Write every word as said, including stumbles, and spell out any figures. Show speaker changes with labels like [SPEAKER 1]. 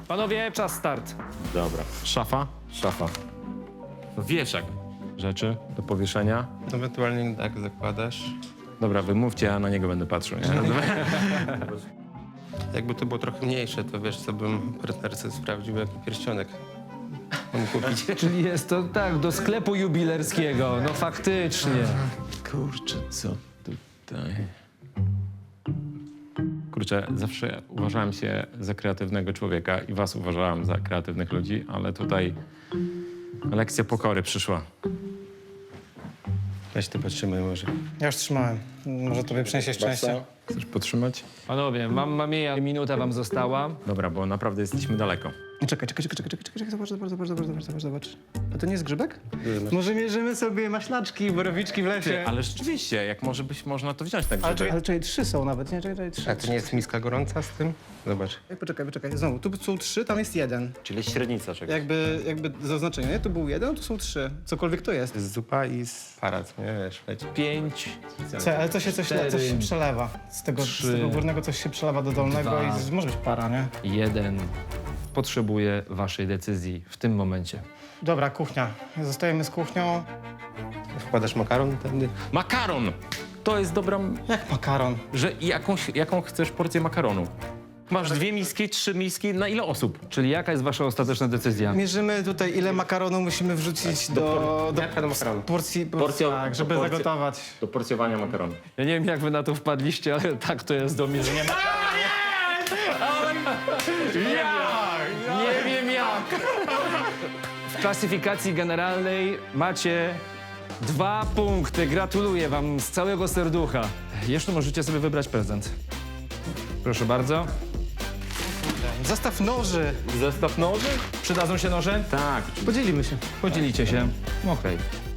[SPEAKER 1] Panowie, czas start.
[SPEAKER 2] Dobra. Szafa?
[SPEAKER 1] Szafa.
[SPEAKER 2] Wieszak.
[SPEAKER 1] Rzeczy do powieszenia.
[SPEAKER 3] Ewentualnie tak zakładasz.
[SPEAKER 1] Dobra, wymówcie, a na niego będę patrzył. Nie?
[SPEAKER 3] Jakby to było trochę mniejsze, to wiesz, co bym partnerce sprawdził, jaki pierścionek mam kupić.
[SPEAKER 1] Czyli jest to tak, do sklepu jubilerskiego. No faktycznie.
[SPEAKER 2] Kurczę, co tutaj? Kurczę, zawsze uważałem się za kreatywnego człowieka i was uważałem za kreatywnych ludzi, ale tutaj lekcja pokory przyszła.
[SPEAKER 3] Weź to patrzymy może.
[SPEAKER 4] Ja już trzymałem. Może tobie przyniesie szczęście.
[SPEAKER 2] Chcesz podtrzymać?
[SPEAKER 1] Panowie, mam mamieja, minuta wam została.
[SPEAKER 2] Dobra, bo naprawdę jesteśmy daleko.
[SPEAKER 4] Czekaj, czekaj, czekaj, czekaj, czekaj, czekaj, zobacz, zobacz, zobacz, zobacz, zobacz, zobacz, zobacz. A to nie jest grzybek? Może mierzymy sobie maślaczki, borowiczki w lesie.
[SPEAKER 2] Ale rzeczywiście, jak może być można to wziąć tak,
[SPEAKER 4] Ale
[SPEAKER 2] żeby...
[SPEAKER 4] czekaj, ale czekaj, trzy są nawet, nie? Czekaj, czekaj, trzy.
[SPEAKER 3] A to nie jest miska gorąca z tym? Zobacz.
[SPEAKER 4] Ej, Poczekaj, poczekaj, znowu, tu są trzy, tam jest jeden.
[SPEAKER 2] Czyli średnica czegoś.
[SPEAKER 4] Jakby, jakby zaznaczenie, nie? Tu był jeden, tu są trzy. Cokolwiek to jest.
[SPEAKER 3] Z zupa i z parat, nie wiesz, leci.
[SPEAKER 2] Pięć.
[SPEAKER 4] Co, ale to się coś,
[SPEAKER 1] Cztery,
[SPEAKER 4] coś się przelewa. Z tego, z
[SPEAKER 1] trzy,
[SPEAKER 4] tego górnego coś się przelewa do dolnego
[SPEAKER 1] dwa.
[SPEAKER 4] i z, może być para, nie?
[SPEAKER 1] Jeden. Potrzebuję waszej decyzji w tym momencie.
[SPEAKER 4] Dobra, kuchnia. Zostajemy z kuchnią.
[SPEAKER 3] Wkładasz makaron wtedy?
[SPEAKER 2] Makaron! To jest dobra...
[SPEAKER 4] Jak makaron?
[SPEAKER 2] Że jakąś, jaką chcesz porcję makaronu? Masz dwie miski, trzy miski, na ile osób?
[SPEAKER 1] Czyli jaka jest wasza ostateczna decyzja?
[SPEAKER 4] Mierzymy tutaj, ile makaronu musimy wrzucić do, do
[SPEAKER 3] Jaka do makaronu?
[SPEAKER 4] porcji,
[SPEAKER 2] Porcja-
[SPEAKER 4] tak, żeby
[SPEAKER 2] porcja-
[SPEAKER 4] zagotować.
[SPEAKER 2] Do porcjowania makaronu.
[SPEAKER 1] Ja nie wiem, jak wy na to wpadliście, ale tak to jest do mierzenia. Nie wiem jak! W klasyfikacji generalnej macie dwa punkty. Gratuluję wam z całego serducha. Jeszcze możecie sobie wybrać prezent. Proszę bardzo.
[SPEAKER 4] Zestaw noży.
[SPEAKER 2] Zestaw noży?
[SPEAKER 1] Przydadzą się noże?
[SPEAKER 2] Tak.
[SPEAKER 4] Podzielimy się.
[SPEAKER 1] Podzielicie się. Okej.